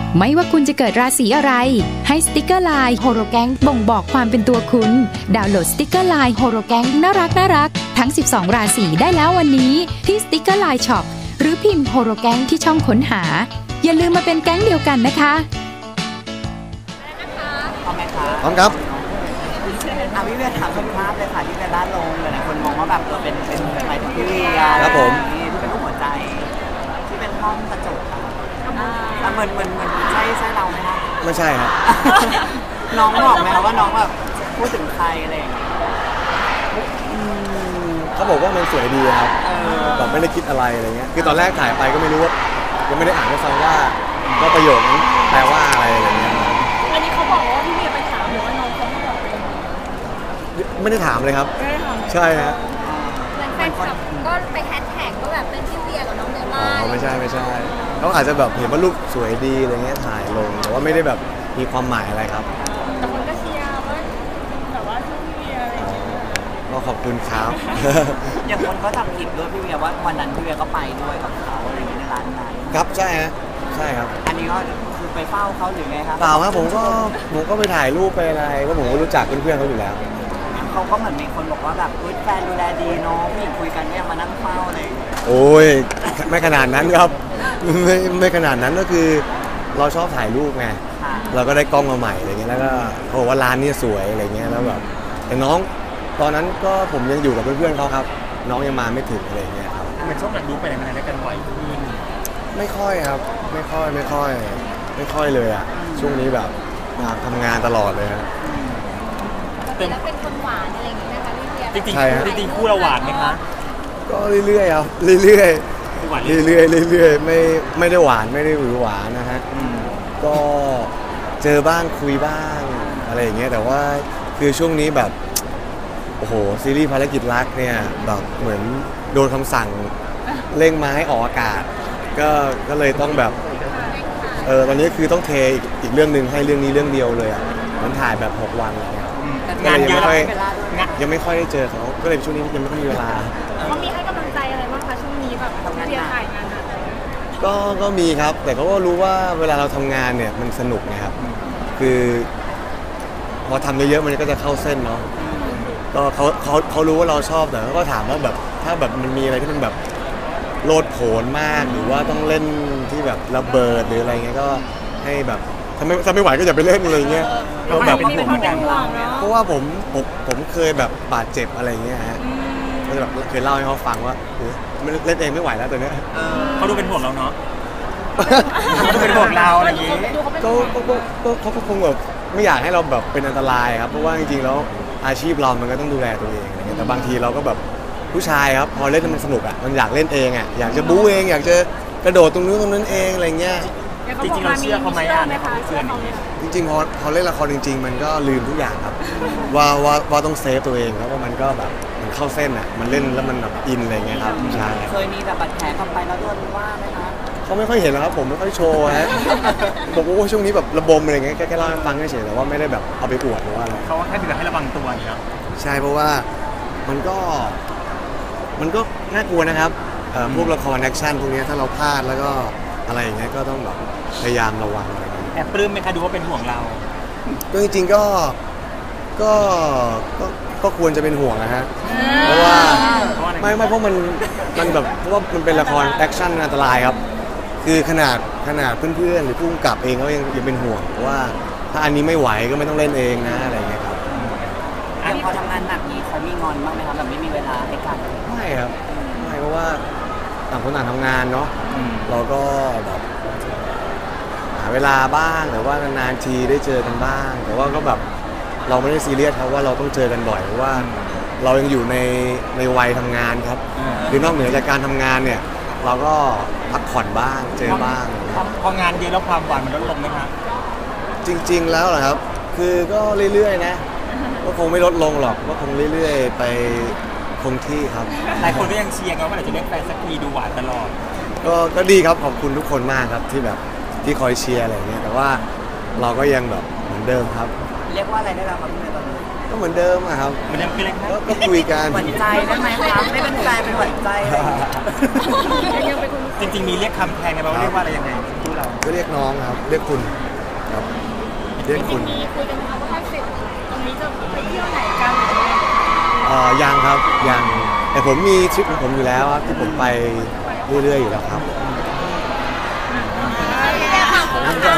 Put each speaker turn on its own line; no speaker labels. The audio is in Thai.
ไม่ว่าคุณจะเกิดราศีอะไรให้สติกเกอร์ไลน์โฮโรแกงบ่งบอกความเป็นตัวคุณดาวน์โหลดสติกเกอร์ไลน์โฮโรแกงน่ารักทั้ง12ราศีได้แล้ววันนี้ที่สติกเกอร์ไลน์ช็อปหรือพิมพ์โฮโรแกงที่ช่องค้นหาอย่าลืมมาเป็นแก๊งเดียวกันนะคะ
พร้อมไหมคะ
พร้อมครับ
พี่เวียถามสัมภาษณ์เลยค่ะที่เวียด้านลงเลยนะคนมองว่าแบบเป็นหมายถึงพี่เวีย
ครับผม
ที่เป็นรูปหัวใจที่เป็นห้องกระจกค่ะแล้วเหมือนใช่เราไหมคะ
ไม่ใช่ครับ
น้องบอกไหมคะว่าน้องแบบพูดถึงใครอะไรอย่างเงี้ย
เขาบอกว่ามันสวยดีครับแบบไม่ได้คิดอะไรอะไรเงี้ยคือตอนแรกถ่ายไปก็ไม่รู้ว่ายังไม่ได้อ่านให้ฟังว่าประโยคนั้นแปลว่าอะไรเงี้ย
อันนี้เขาบอกว่าพี่เวียไปถามหรือว่าน้องเขาไม่บอก
ไม่ได้ถามเลยครับใช่ฮะ
เหมือนแฟนคลับก็ไปแฮชแท็กก็แบบเป็นพี่เวียกับน้องเดลล่า
ไม่ใช่เขาอาจจะแบบเห็นว่ารูปสวยดีอะไรเงี้ยถ่ายลงแต่ว่าไม่ได้แบบมีความหมายอะไรครับ
แต่คนก็เชียร์ว่าแบบว่าชื่อพี่เวียอะไรอย่างเงี้ย
ก็ขอบคุณครับ
อย่างคนก็ทำคลิปด้วยพี่เวียว่าวันนั้นพี่เวียก็ไปด้วยกับเขาอะไรอย่างเงี้ยในร้านนั้น
ครับใช่ฮะใช่ครับ
อันนี้ก็คือไปเฝ้าเขาหรือไงครับ
เปล่าครับผมก็ไปถ่ายรูปไปอะไรก็ผมก็รู้จักเพื่อนๆเขาอยู่แล้ว
เขาก็เหมือนมีคนบอกว่าแบบแฟนดูแลดีเนาะผู้หญิงคุยกันเนี่ยมานั่งเฝ้าอะไร
โอ้ยไม่ขนาดนั้นครับไม่ขนาดนั้นก็คือเราชอบถ่ายรูปไงเราก็ได้กล้องมาใหม่อะไรเงี้ยแล้วก็เขาบอกว่าร้านนี้สวยอะไรเงี้ยแล้วแบบแต่น้องตอนนั้นก็ผมยังอยู่กับเพื่อนๆเขาครับน้องยังมาไม่ถึงอะไรเงี้ยครับ
เหมือนช่วงหลังดูไปไหนมาไหนด้วยกันบ่อยขึ้น
ไม่ค่อยครับไม่ค่อยเลยอ่ะช่วงนี้แบบทำงานตลอดเลยฮะ
แล้วเป็นคนหวานอะไรอย่างงี้นะคะพี่เวีย
จริงคู่เราหวานไหมคะ
ก็เรื่อยๆครับเรื่อยไม่ได้หวานไม่ได้หวือหวานนะฮะก็เจอบ้างคุยบ้างอะไรอย่างเงี้ยแต่ว่าคือช่วงนี้แบบโอ้โหซีรีส์ภารกิจรักเนี่ยแบบเหมือนโดนคำสั่งเร่งมาให้ออกอากาศก็เลยต้องแบบตอนนี้คือต้องเทอีกเรื่องนึงให้เรื่องนี้เรื่องเดียวเลยอ่ะมันถ่ายแบบ6 วันอะไรเงี้ย
งานเยอะ
ยังไม่ค่อยได้เจอเขาก็เลยช่วงนี้ยังไม่ค่อยมีเวลา
เขามีให้กำลังใจอะไรบ้างคะช่วงนี้แบบเรียนถ่ายงาน
ก็มีครับแต่เขาก็รู้ว่าเวลาเราทำงานเนี่ยมันสนุกนะครับคือพอทำเยอะๆมันก็จะเข้าเส้นเนาะก็เขารู้ว่าเราชอบแต่เขาก็ถามว่าแบบถ้าแบบมันมีอะไรที่มันแบบโลดโผนมากหรือว่าต้องเล่นที่แบบระเบิดหรืออะไรเงี้ยก็ให้แบบถ้าไม่ไหวก็อย่าไปเล่นอะไรเงี้ย
เราแบบ
เพราะว่าผมเคยแบบบาดเจ็บอะไรเงี้ยฮะก็จะแบบเคยเล่าให้เขาฟังว่าเล่นเองไม่ไหวแล้วตัวเนี้ย
เขาดูเป็นห่วงเราเนาะเขาดูเป็นห่วงเราอะไรอย่างงี้
เขาคงแบบไม่อยากให้เราแบบเป็นอันตรายครับเพราะว่าจริงๆแล้วอาชีพเรามันก็ต้องดูแลตัวเองอะไรเงี้ยแต่บางทีเราก็แบบผู้ชายครับพอเล่นมันสนุกอ่ะมันอยากเล่นเองอ่ะอยากจะบู๊เองอยากจะกระโดดตรงนู้นตรงนั้นเองอะไรเงี้ย
จริงๆเราเชื่อเขาไหมในความเชื่อนี้
จริงๆพอเล่นละครจริงๆมันก็ลืมทุกอย่างครับว่าต้องเซฟตัวเองแล้วว่ามันก็แบบมันเข้าเส้นอ่ะมันเล่นแล้วมันแบบอินอะไรเงี้ยครับใช่
เคยมีแบบบาดแผลเข้าไปแล้วโดนว่าไหมคะ
เขาไม่ค่อยเห็นแล้วครับผมไม่ค่อยโชว์ฮะบอกว่าช่วงนี้แบบระบมอะไรเงี้ยแค่เล่าให้ฟังเฉยๆแต่ว่าไม่ได้แบบเอาไปอวดหรือว่าอะไร
เขาแค่เตือนให้ระวังตัวนี่ครับ
ใช่เพราะว่ามันก็น่ากลัวนะครับพวกละครแอคชั่นพวกนี้ถ้าเราพลาดแล้วก็อะไรอย่างเงี้ยก็ต้องแบบพยายามระวังอะไรอย่างเงี้ย
แอบปลื้มไหมคะดูว่าเป็นห่วงเรา
ก็จริงๆก็ควรจะเป็นห่วงนะฮะเพราะว่าไม่เพราะมันแบบเพราะว่ามันเป็นละครแอคชั่นอันตรายครับคือขนาดเพื่อนๆหรือผู้กำกับเองก็ยังเป็นห่วงว่าถ้าอันนี้ไม่ไหวก็ไม่ต้องเล่นเองนะอะไรเงี้ยครับ
พอทำงานหนักนี้เขามีงอนบ้างไหมครับแบบไม่มีเวลาให้กัน
ไม่ครับไม่เพราะว่าต่างคนต่างทำงานเนาะเราก็แบบหาเวลาบ้างหรือว่านานๆทีได้เจอกันบ้างแต่ว่าก็แบบเราไม่ได้ซีเรียสครับว่าเราต้องเจอกันบ่อยเพราะว่าเรายังอยู่ในวัยทำงานครับหรือนอกเหนือจากการทำงานเนี่ยเราก็พักผ่อนบ้างเจอบ้าง
พองานเยอะแล้วความหวานมันลดลงไหมครับ
จริงๆแล้วเหรอครับคือก็เรื่อยๆนะก็คงไม่ลดลงหรอกก็คงเรื่อยๆไปคงที่ครับ
หลายคนก็ยังเชียร์ว่าเราจะเล่นแฟนสักทีดูหวานตลอด
ก็ดีครับขอบคุณทุกคนมากครับที่แบบที่คอยเชียร์อะไรเงี้ยแต่ว่าเราก็ยังแบบเหมือนเดิมครับ
เรียกว่าอะไรได้แล้วครับพี่เมย์ตอนนี้
ก็เหมือนเดิมอะครับ
มันยังคืออะไรครับ
ก็คุยกัน
หวั่นใจได้ไหมคะไม่เป็นแฟนเป็นหวั่นใจอะไรอย่างเงี้ย
จริงๆมีเรียกคำแทนกันไหมว่าเรียกว่าอะไรยังไงคู่เรา
ก็เรียกน้องครับเรียกคุณครับเรียกคุณ
มีคุยกันไหมคะว่าถ้าเสร็จตรงนี้จะไปเที่ยวไหนกัน
ยังครับยังแต่ผมมีทริปของผมอยู่แล้วครับที่ผมไปเรื่อยๆอยู่แล้วครับ
พี่แม่ค่ะ